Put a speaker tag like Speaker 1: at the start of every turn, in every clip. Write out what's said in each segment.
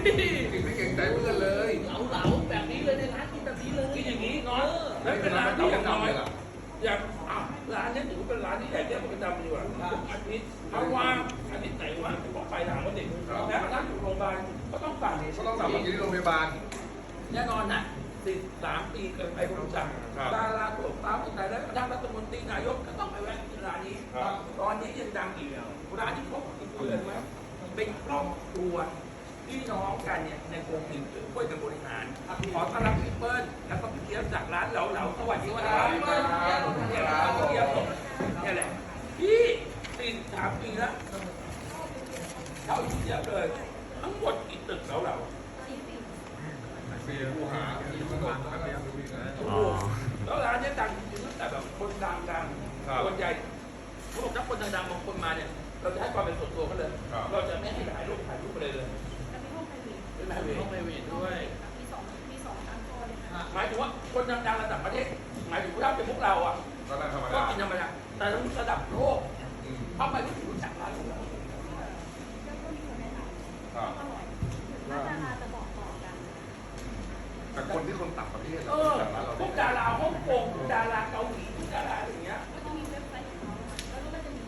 Speaker 1: ไม่เก่งใจเพื่อนเลย
Speaker 2: เหลาแบบนี้เลยในร้านกินแบบนี้เลยกินอย่างนี้เนาะแล้วเป็นร้านที่อย่างน้อยอย่างร้านนี้ถือเป็นร้านที่ใหญ่ที่สุดประจำอยู่อ่ะอาทิตย์ถ้าว่างอาทิตย์ไหนว่างจะบอกไปถามว่าเด็กแล้วถ้าอยู่โรงพยาบาลก็ต้องสั่ง
Speaker 1: ก็ต้องสั่งมากินที่โรงพยาบาล
Speaker 2: แน่นอนนะ13 ปีเกินไปคนรู้จักดาราตัวตาคนไหนแล้วดังรัฐมนตรีนายกก็ต้องไปแวะกินร้านนี้ตอนนี้ยังดังอีกร้านที่พบกินเลยไหมเป็นครอบครัวพี่น้องกันเนี่ยในวงหนึ่งช่วยกันบริหารขอต้อนรับพี่เปิ้ลแล้วก็พี่เกี๊ยวจากร้านเหลาสวัสดีครับพี่เปิ้ลเนี่ยพี่เกี๊ยวเนี่ยแหละพี่43 ปีแล้วเขาอยู่เยอะเลยทั้งหมดกี่ตึกเหลา
Speaker 1: ปีผู้หาที่มันโดนแบบนี้
Speaker 2: แล้วร้านนี้ดังจริงๆตั้งแต่แบบคนดังคนใหญ่เขาบอกถ้าคนดังๆบางคนมาเนี่ยเราจะให้ความเป็นส่วนตัวเขาเลยเราจะไม่ให้ถ่ายรูปไปเลย
Speaker 3: จะมีห้องไพรเวท
Speaker 2: เป็นไพรเวทด้วย
Speaker 3: มีสองชั้นโซนเลยค่ะ
Speaker 2: หมายถึงว่าคนดังๆระดับประเทศหมายถึงว่าเป็นพวกเราอ่ะก็กินธรรมดาแต่ระดับโลกทำไมไม่รู้จักร้านของเรา
Speaker 3: ก็มีคนแนะนำอร่อยน่าจะบอกต่อกัน
Speaker 1: แต่คนที่คนต่างประเทศ
Speaker 2: พวกดาราฮ่องกงดาราเกาหลีดาราอย่างเงี้ย
Speaker 3: ก็จะมีเว็บไซต์ของเขาแล้วก็จะมี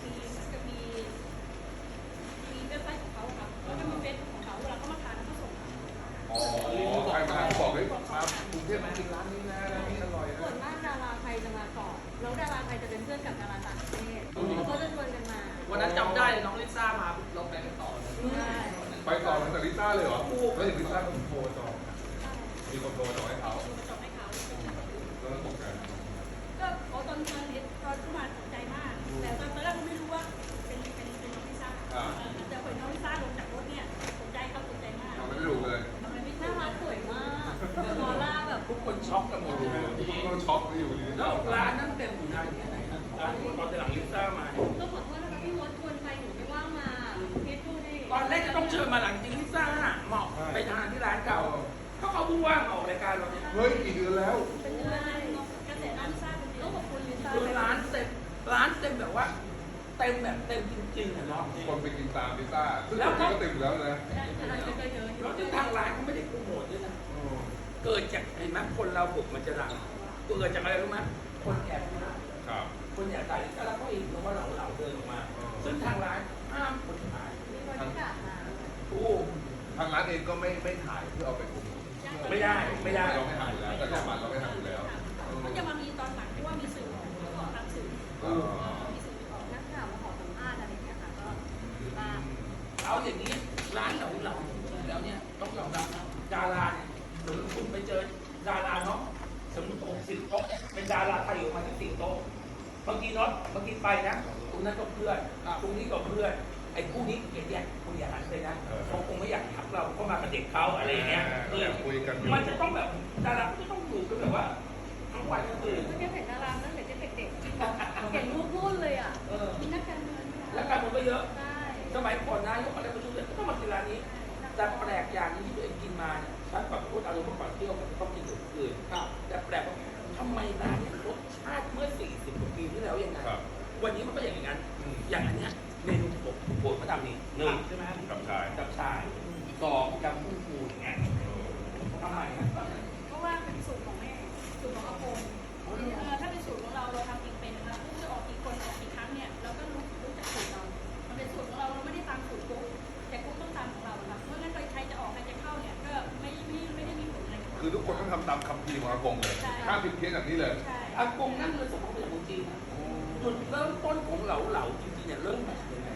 Speaker 3: เว็บไซต์ของเขาครับแล้วก็มีเฟซของเขาเวลาเขามาทานเขาส่ง
Speaker 1: อ๋อใครมาบอกเลยมากรุงเทพมากินร้านนี้นะร้านนี้อร่อยนะ
Speaker 3: ส่วนมากดาราไทยจะมาก่อนแล้วดาราไทยจะเป็นเพื่อนกับดาราต่างประเทศแล้วก็จะชวนกันมา
Speaker 2: วันนั้นจำได้น้องลิซ่ามาเราไปกันต่อ
Speaker 1: ไปต่อตั้งแต่ลิซ่าเลยเหรอแล้วอย่างลิซ่าคนโทรจองมีคนโทรจองให้เขาแล้วตกใจ
Speaker 3: ก็ตอนเข้ามาตกใจมากแต่ตอนแรกก็ไม่รู้ว่าเป็นน้องลิซ่าแต่พอน้องลิซ่าลงจากรถเนี่ยตกใจมาก
Speaker 1: เราไม่ได้ดูเลย
Speaker 3: น่ารักสวยมากออร่าแบบ
Speaker 2: ทุกคนช็อกกันหมดเลย
Speaker 1: ทุกคนก็ช็อกอยู่ดี
Speaker 2: แล้วร้านนั้นเต็มอยู่นานแค่ไหนครับร้านตอนหลังลิซ่ามา
Speaker 3: ก็ขอโทษนะคะพี่มดชวนไปหนูไม่ว่างมาคิดดูดิ
Speaker 2: ตอนแรกจะต้องเชิญมาหลังจริงลิซ่าเหมาะไปทานที่ร้านเก่าเขาพูดว่าออกรายการเราเนี่ย
Speaker 1: เฮ้ยกี่เดือนแล้ว
Speaker 3: เป็นเดือนกระแสน้ำซ่าเป็นเดือนขอบคุณลิซ่า
Speaker 2: คือร้านเต็มแบบว่าเต็มแบบเต็มจริงๆเนาะ
Speaker 1: คนไปกินตามลิซ่าแล้วก็เต็มแล้วนะ
Speaker 2: แล้วที่ทางร้านเขาไม่ได้โปรโมทด้วยนะเกิดจากเห็นไหมคนเราบุกมันจะดังเกิดจากอะไรรู้ไหมคนแอบมาคนอยากถ่ายแล้วก็เองเพราะว่าเราเดินออกมาซึ่งทางร้านห้ามคนถ่าย
Speaker 3: มีบริการมา
Speaker 1: ทางร้านเองก็ไม่ถ่ายเพื่อเอาไปโปรโมท
Speaker 2: ไม่ได้
Speaker 1: เราไม่ถ่ายอยู่แล้วแต่ก่อนเราไม่ถ่ายอยู่แล้ว
Speaker 3: มันจะมามีตอนหลังที่ว่ามีสื่อแล้วก็ทำสื่อมีสื่อนักข่าวมาขอสัมภาษณ์อะไรอย่างเงี้ยค่ะก็
Speaker 2: เอาอย่างนี้ร้านเราแล้วเนี่ยต้องยอมรับดาราเนี่ยหรือคุณไปเจอดาราเนาะสมมติ60 โต๊ะเป็นดาราไทยออกมาที่4 โต๊ะบางทีเนาะบางทีไปนะตรงนั้นก็เพื่อนตรงนี้ก็เพื่อนไอ้คู่นี้อย่างเงี้ยคุณอย่าหันไปนะเขาคงไม่อยากทักเราก็มากับเด็กเขาอะไรอย่างเงี้ยมันจะต้องแบบดาราก็จะต้องอยู่กันแบบว่าทั้งวันทั้งคืน
Speaker 3: ก็จะเห็นดาราตั้งแต่เด็กๆเห็นรูปรุ่นเลยอ่ะมีนักการเมือง
Speaker 2: และการเมืองก็เยอะสมัยก่อนนายกอะไรประชุมเนี่ยก็ต้องมากินร้านนี้แต่แปลกอย่างนี้ที่ตัวเองกินมาเนี่ยฉันแบบพูดอารมณ์เมื่อก่อนเที่ยวมันต้องกินอื่นแต่แปลกว่าทำไมร้านนี้รสชาติเมื่อ40 กว่าปีที่แล้วยังไงวันนี้มันก็อย่างนั้นอย่างอันเนี้ยเมนูโปรดเขาทำนี่1ใช่ไหม
Speaker 1: กับ
Speaker 2: ชาย2ยำกุ้งฟูอย่างเงี้ยทำไม
Speaker 3: เพราะว่าเป็นสูตรของแม่สูตรของอาโปงถ้าเป็นสูตรของเราทำเองเป็นนะคะกุ้งจะออกกี่คนออกกี่ครั้งเนี่ยเราก็รู้จักสูตรเรามันเป็นสูตรของเราไม่ได้ตามสูตรกุ๊กแต่กุ๊กต้องตามของเราค่ะเพราะงั้นใครจะออกใครจะเข้าเนี่ยก็ไม่ได้มีผลอะไร
Speaker 1: คือทุกคนต้องทำตามคำพีของอากงเลยห้ามผิดเพี้ยนแบบนี้เลย
Speaker 2: อากงนั่นเลยสมมติเป็นของจีนจุดเริ่มต้นของเหลาจริงๆเนี่ยเริ่มมาจากยังไง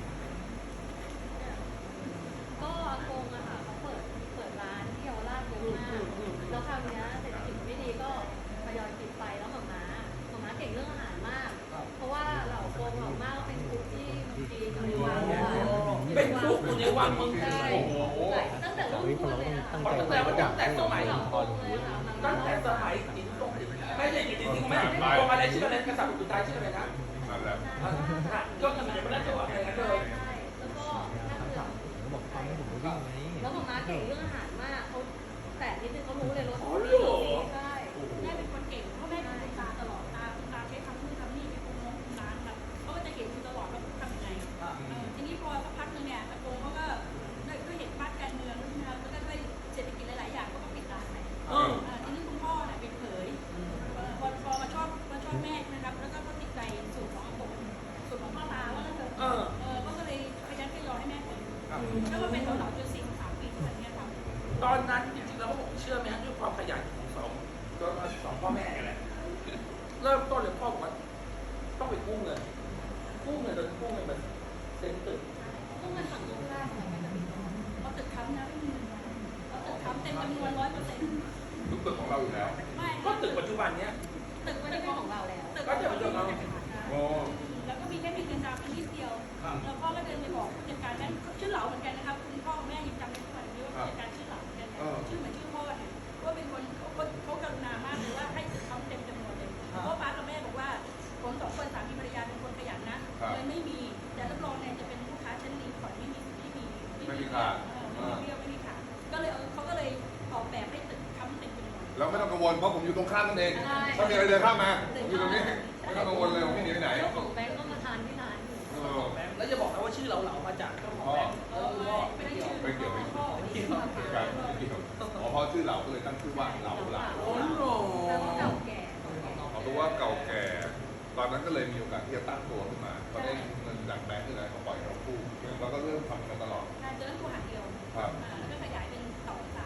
Speaker 3: ก็อากงอะค่ะเขาเปิดร้านที่เยาวราชเยอะมากแล้วคราวนี้เศรษฐกิจไม่ดีก็ทยอยปิดไปแล้วหม่าม้าเก่งเรื่องอาหารมากเพราะว่าเหล่าโกงเหล่ามากก็เป็นคุกที่เมืองจีนอยู่ในวัง
Speaker 2: เป็นคุกอยู่ในวังเมืองจีน
Speaker 3: ตั้งแต่รุ่นคุณเลยค่ะ
Speaker 2: ตั้งแต่สมัยจีนตรงไม่ใช่จริงๆไม่ตรงอะไรชื่ออะไรกษัตริย์สุดท้ายชื่ออะไรนะก็ทำไมไม่ได้ตัวอะไรกันเลย
Speaker 3: แล้วก็นั่งเรือแล้วหม่าม้าเก่งเรื่องอาหารมากเขาแต่นิดนึงเขารู้เลยรสใช่แม่เป็นคนเก่งเพราะแม่เป็นคนตาตลอดตาใช้ทำนู่นทำนี่เป็นคนมองร้านแบบเขาก็จะเห็นอยู่ตลอดว่าทำยังไงทีนี้พอสักพักนึงเนี่ยตะโกงเขาก็เห็นบ้านการเมืองแล้วก็แล้วมาเป็นเราจน43 ปีถึงเนี่ยครับ
Speaker 2: ตอนนั้นจริงๆแล้วผมเชื่อไหมฮะด้วยความขยันของสองพ่อแม่แหละเริ่มต้นเลยพ่อบอกว่าต้องไปกู้เงินโดยกู้เงินมันเซ็นตึก
Speaker 3: ต้องมาสั่งลูกค้าอะไรกันเอาตึกค้ำนะไม่มีเงินเอาตึกค้ำเต็มจำนวน100%
Speaker 1: ทุกตึกของเราอยู่แล้ว
Speaker 3: ไม่
Speaker 2: ก็ตึกปัจจุบันเนี้ย
Speaker 3: ตึกไม่ได้เป็นของเราแล้วตึก
Speaker 2: ก็จะเป็นของเรา
Speaker 1: โอ้
Speaker 3: แล้วก็มีแค่เงินดาวน์เป็นนิดเดียวแล้วพ่อก็เดินไปบอกผู้จัดการนั้นชื่อเหลาเหมือนกันนะครับคุณพ่อแม่ยังจำได้ทุกวันนี้ว่าผู้จัดการชื่อเหลาเหมือนกันชื่อเหมือนชื่อพ่อเนี่ยว่าเป็นคนเขากรุณามากเลยว่าให้ตึกค้ำเต็มจำนวนเลยเพราะป้ากับแม่บอกว่าผม2 คนสามีภรรยาเป็นคนขยันนะเลยไม่มีแต่รับรองเนี่ยจะเป็นลูกค้าชั้นดีก่อนไม่มีขาดไม่มีขาดก็เลยเขาก็เลยออกแบบให้ตึกค้ำเต็มจำนวน
Speaker 1: แล้วไม่ต้องกังวลเพราะผมอยู่ตรงข้ามนั่นเองถ้ามีอะไรเดินข้ามมาผมอยู่ตรงนี้ไม่ต้องกังวลเลยผมไม่หนีไปไหน
Speaker 4: แล้วของแบงก์ก็มาทานที่ร้านอยู่
Speaker 2: แล้วจะบอกนะว่าชื่อเหลาๆมาจากเจ้าของแบงค์
Speaker 3: ไม่ได้ชื่อ
Speaker 1: ไม่เกี่ยว
Speaker 3: พ่อ
Speaker 1: การอ๋อพอชื่อเราก็เลยตั้งชื่อว่าเรา
Speaker 2: โอ้โห
Speaker 4: แปลว่าเก่าแก่
Speaker 1: เพราะว่าเก่าแก่ ตอนนั้นก็เลยมีโอกาสที่จะตั้งตัวขึ้นมาพอได้เงินจากแบงก์นี่แหละเขาปล่อยเรากู้เราก็เริ่มทำกันตลอด
Speaker 3: การเจอตัวหาเดียวแล้วก็ขยายเป็น2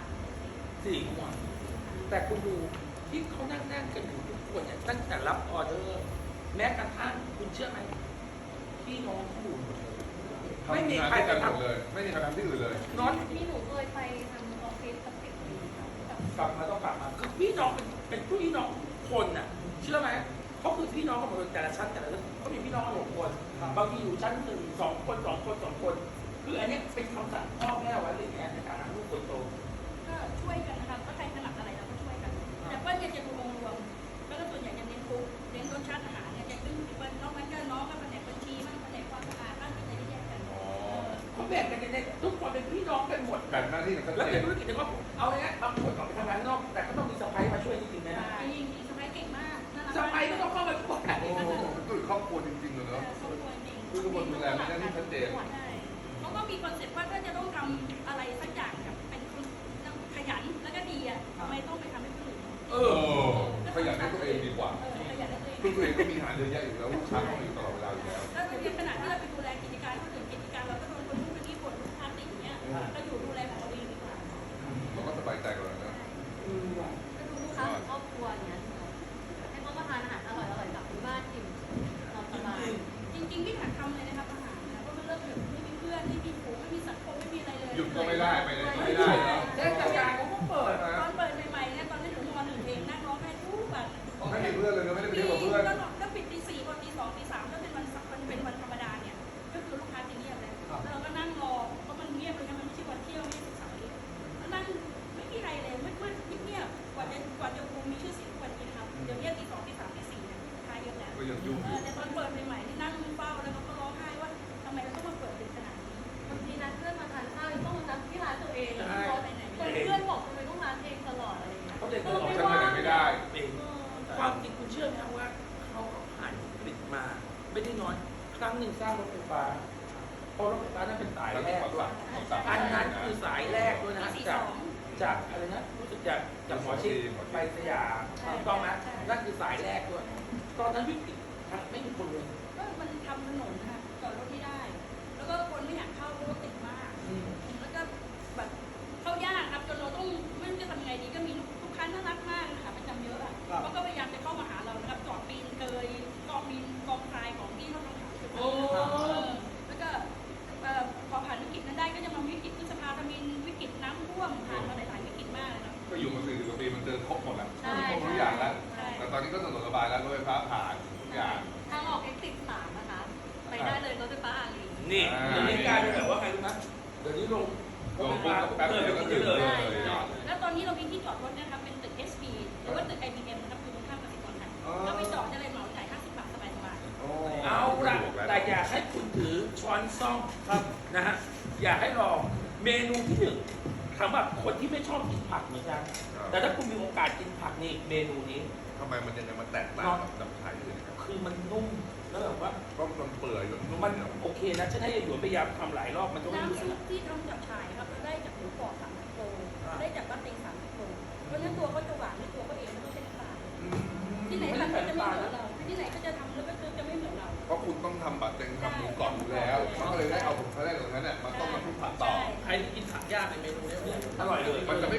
Speaker 3: 3
Speaker 2: 4 ขวบแต่คุณดูที่เขานั่งกันอยู่ทุกคนเนี่ยตั้งแต่รับออเดอร์แม้กระทั่งคุณเชื่อไหมพี่น้องเขาอยู่หมดเลยไม่มีใคร
Speaker 1: กันหม
Speaker 2: ทำ
Speaker 1: ดเลย ไม่มีใครทำที่อื่นเลย
Speaker 2: น้อย
Speaker 4: ที่หนูเคยไปทำออฟฟิศกับเด็กดีค่ะ
Speaker 2: กลับมาต้องกลับมาคือพี่น้องเป็นพี่น้องคนน่ะเชื่อไหมเขาคือพี่น้องกันหมดเลยแต่ละชั้นแต่ละชั้นเขามีพี่น้องกัน6 คนบางทีอยู่ชั้น1 2 คน 2 คน 2 คนคืออันนี้เป็นคำสั่งพ่อแม่ไว้เลยแในการลูกคนโต
Speaker 3: ก็ช่วยกันนะครับถ้าใครถนัดอะไรเราก็ช่วยกัน แต่เปิ้ลเนี่ยจะดูองค์รวมแล้วก็ส่วนใหญ่จะเน้นคุกเน้นรสชาติอาหารเนี่ยจะขึ้นเปิ้ลนอกนั้นก็น้องก็แผนกบัญชีบ้างแผนกความสะอาดบ้างก็จะได้แยกกัน
Speaker 2: เขาแบ่งกันเนี่ยทุกคนเป็นพี่น้องกันหมด
Speaker 1: แบ่งหน้าที่กันชัด
Speaker 2: แล้ว
Speaker 1: เจ
Speaker 2: เป็น นธุรกิจแต่ว่าเอาง่ายๆบางคนออกไปทำงานข้างนอกแต่ก็ต้องมีสะพ้ายมาช่วยจริงๆนะ
Speaker 3: จริงๆสมัยเก่งมากน่ารัก
Speaker 2: สะพ้ายก็ต้องเข้ามาช่วย
Speaker 1: โอ้คือครอบครัวจริงๆเลยเนาะ
Speaker 3: ครอบครัวจริง
Speaker 1: คือทุกคนดูแลไม่ได้ที่ชัดเจน
Speaker 3: ใช่เขาก็มีคอนเซ็ปต์ว่าถ้าจะต้องทำอะไรสักอย่างกับเป็นคนขยันแล้วก็ดีอ่ะทำไมต้องไปทำให้คนอื่น
Speaker 2: เอ
Speaker 1: โอ้
Speaker 2: อ
Speaker 1: ขยันให้ตัวเองดีกว่า
Speaker 3: ขยันให้ตัวเอง
Speaker 1: คือตัวเองก็มีงานเยอะแยะอยู่แล้วลูกค้าก็มีอยู่ตลอดเวลาอยู่แล้ว
Speaker 3: แล้วในขณะที่เราไปดูแลกิจการคนอื่นกิจการเราก็โดนคนนู้นคนนี้บ่นลูกค้าติดอย่างเงี้ยก็อยู่ดูแลของเราเองดีกว่า
Speaker 1: เราก็สบายใจกันแล้วนะ
Speaker 4: ก็ดูลูกค้าของครอบครัวอย่างเงี้ยให้เขามาทานอาหารอร่อยๆกลับที่บ้านกินนอนสบาย
Speaker 3: จริงๆพี่ถักทำเลยนะครับอาหารนะเพราะมันเริ่มแบบไม่มีเพื่อนไม่มีฝูงไม่มีสังคมไม่มีอะไรเลย
Speaker 1: หยุดก็ไม่ได้ไปไหนก็ไม่ได้แล้ว
Speaker 2: เทศกาลเขาก็เปิด
Speaker 3: ตอนเปิดใหม่ๆเนี่ยตอนที่หนูม.1 เองนั่งร้องไห้ทุกวัน
Speaker 1: ไม่มีเพื่อนเลยนะไม่ได้ไป
Speaker 3: ปี
Speaker 1: เที่ยวกับเพื่อน
Speaker 3: ก็ปิดตี 4 พอตี 2 ตี 3ก็เป็นวันธรรมดาเนี่ยก็คือลูกค้าจะเงียบเลยแล้วเราก็นั่งรอเพราะมันเงียบเลยนะมันไม่ใช่วันเที่ยวไม่ใช่สุขสันต์แล้วนั่งไม่มีใครเลยมืดๆเงียบๆกว่าจะคงมีชื่อเสียงกว่านี้นะครับเดี๋ยวเนี้ตี 2 ตี 3 ตี 4เนี่ยลูกค้าเยอะแล้ว
Speaker 1: ก็ยังยุ่งอยู่
Speaker 3: แต่ตอนเปิดใหม่ๆที่นั่งเฝ้าแล้วก็ร้องไห้ว่าทำไมเราต้องมาเปิดดึกขนาดนี้
Speaker 4: บางทีนัดเพื่อนมาทานข้าวต้องมานัดที่ร้านตัวเองแล้ว
Speaker 3: ใช่
Speaker 4: เพื่อนบอกทำไมต้องร้านเองตลอดอะไรอย่างเงี้ย
Speaker 2: เขาเด็ก
Speaker 4: ก็
Speaker 2: ตลอด
Speaker 4: ไม่
Speaker 1: ฉันไป
Speaker 4: ว่า
Speaker 1: ไหนไม่ได้
Speaker 2: เป็นความจริงคุณเชื่อไหมว่าเขาผ่านวิกฤตมาไม่ได้น้อยครั้งหนึ่งสร้างรถไฟฟ้าเพราะรถไฟฟ้านั้นเป็นสาย
Speaker 1: แล้ว
Speaker 2: แร
Speaker 1: ก็
Speaker 2: ก
Speaker 1: ขอ
Speaker 2: ด้วย
Speaker 1: สั่ง
Speaker 2: อันนั้นคือสายแรกด้วยนะจากอะไรนะรู้สึกจากหมอชิดไปสยามถูกต้องไหมนั่นคือสายแรกด้วยตอนนั้นวิกฤตไม่มีคนเลย
Speaker 3: ก็มันทำถนนนะคะจอดรถไม่ได้ แล้วก็คนไม่อยากเข้าเพราะรถติดมาก แล้วก็แบบเข้ายากครับจนเราต้องไม่รู้จะทำยังไงดีก็มีลูกค้าน่ารักมากนะคะประจำเยอะอ่ะเขาก็พยายามจะเข้ามาหาเรานะครับจอดปีนเกยกองบินกองทรายของที่เขาทำขายแล้วก็พอผ่านวิกฤตนั้นได้ก็จะมาวิกฤตพฤษภาธมินวิกฤตน้ำท่วมผ่านมาหลายๆวิกฤตมากเลยนะ
Speaker 1: ก็อยู่มา40 กว่าปีมันเจอครบหมดแล้วทุกอย่างแล้วแต่ตอนนี้ก็ถนนระบายแล้วรถไฟฟ้าผ่านทุกอย่าง
Speaker 4: ทางออกเอ็กซิส3นะคะ ไปได้เลยรถไฟฟ้าอารี
Speaker 2: นี่เดี๋ยวนี้กลายเป็นแบบว่าไงรู้ไหมเดี๋ยวนี้ลง
Speaker 1: ลงปุ๊บแป๊บเดียวก็ถึงเลย
Speaker 3: แล้วตอนนี้เรามีที่จอดรถนะครับเป็นตึก SP หรือว่าตึก IBM นะครับอยู่ตรงข้ามกสิกรไทยเราไปจอดได้เลยเหมาจ่าย50 บาทสบายๆ
Speaker 2: เอาละแต่อยากให้คุณถือช้อนซ่อมครับนะฮะอยากให้ลองเมนูที่หนึ่งสำหรับคนที่ไม่ชอบกินผักเหมือนกันแต่ถ้าคุณมีโอกาสกินผักนี่เมนูนี้
Speaker 1: ทำไมมันยังไงมันแตกต่างกับไทยอื่นครับ
Speaker 2: คือมันนุ่มแล้วแบบว่า
Speaker 1: ก็มันเปื่อยนุ่ม
Speaker 2: มันโอเคนะฉันให้ยายหยวนพยายามทำหลายรอบมันก็ไม่
Speaker 3: น้ำ
Speaker 2: รู้
Speaker 3: ซุปที่ทำจากฉ่ายครับเราได้จากหมูกรอบ3 โลได้จากบ้านเต็ง3 โลเพราะฉะนั้นตัวเขาจะหวานในตัวเขาเองไม่ต้องใช้น้ำตาลที่ไหนทำก็จะไม่เหมือนเราที่ไหนก็จะทำแล้วก็จะไม่เหมือนเรา
Speaker 1: เพราะคุณต้องทำบัตรเต็งทำหมูกรอบอยู่แล้วมันก็เลยได้เอาผมเขาได้ตรงนั้นเนี่ยมาต้มมาทุกผัดต่อ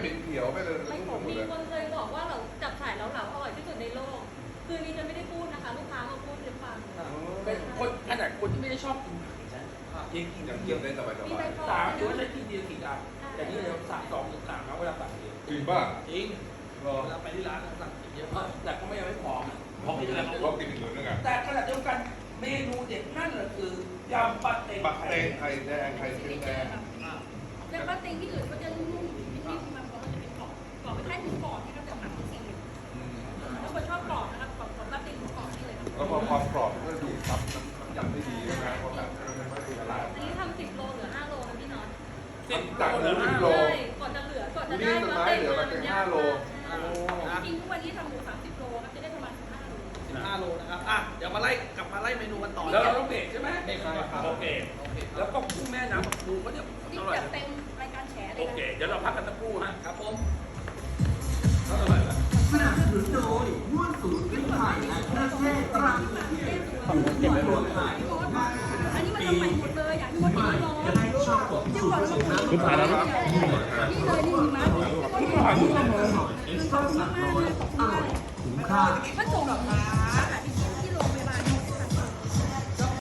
Speaker 1: เป็นเขียวไม่เลย
Speaker 4: ไม่
Speaker 1: ทุก
Speaker 4: มี
Speaker 1: เลย
Speaker 4: คนเคยบอกว่าเราจับฉ่ายเหลาๆอร่อยที่สุดในโลก คือนี่จะไม่ได้พูดนะคะ ลูกค้ามาพูดให้ฟัง
Speaker 2: เป็นคนขนาดคนที่ไม่ได้ชอบกินผักนะยังกิน
Speaker 1: ยัง
Speaker 2: เย
Speaker 1: เยี่ยม
Speaker 2: อะ
Speaker 1: ได้สบาย
Speaker 4: มีใบปอ
Speaker 2: สามหรือว่าใช้กินเดียวกี่อันแต่นี่เราสั่ง2 ถึง 3นะเวลาสั่งเยอะ
Speaker 1: จริงป่ะ
Speaker 2: จริง
Speaker 1: รอ
Speaker 2: เวลาไปที่ร้านสั่งกินเยอะมากแต่ก็ไม่ยังไม่พอเพราะไม่ได้
Speaker 1: รอบกินอีกหนึ่งนึงอ่ะ
Speaker 2: แต่ขณะเดียวกันเมนูเด็ดนั่นแหละคือยำปลาเต็ง
Speaker 1: บักเตงไข่แดงไข่เค็มแดง
Speaker 3: แล้วก็เต็งที่อื่นก็จะนุ่มๆนิดๆมันก็จะเป็นกรอบกรอบไม่ใช่หมูกรอบที่เขาจะหมักที่ซีอิ๊วถ้าคนชอบกรอบนะครับกรอบของปลาเต็งหมูกรอบนี่เลยครับ
Speaker 1: แล้วพอความกรอบมันก็ดูซับน้ำยำได้ดีนะเพราะแบบมันไม่ดูละลาย
Speaker 4: อันนี้ทำ10 โลเหลือ 5 โลนะพี่น็อต
Speaker 1: จากหมู10 โล
Speaker 4: ใช่ก่อนจะเหลือก่อนจะได้
Speaker 1: นี่ต้นไม้เหลือแบบเป็น5 โล
Speaker 3: จริงๆทุกวันนี้ทำหมู30 โลครับจะได้ประมาณ15 โล
Speaker 5: 15 โลนะครับ อ่ะ เดี๋ยวมาไล่กลับมาไล่เมนูกันต่อ
Speaker 2: แล้วเราต้องเบรกใช่ไหม
Speaker 5: เบรกก่อนครับ
Speaker 2: โอเคแล้วก็กุ้งแม่น้ำปูก็เนี่ย
Speaker 3: นี่
Speaker 2: อร่อย
Speaker 3: จะเป็นรายการแฉเล
Speaker 2: โอย
Speaker 3: นะ
Speaker 2: เคเดี๋ยวเราพักกันสักครู่ฮะ
Speaker 5: ครับผม
Speaker 2: อร่อยไหม
Speaker 6: สนับสนุนโดยม้วนสูตรพริกไทยและเครื่องเทศตราหนึ่งเก็บไว้หมดขาย
Speaker 3: อันนี้มันจะใหม่หมดเลยอย่างที่ว่าที่ร้อน
Speaker 6: จะได้ชอบกดสูตรผสมน้ำ
Speaker 3: นี่เลยนี่นะนี่เลย
Speaker 6: เอ็กซ์ตร้า300อร่อยคุ้มค่า
Speaker 3: ถ้าส่งแบบ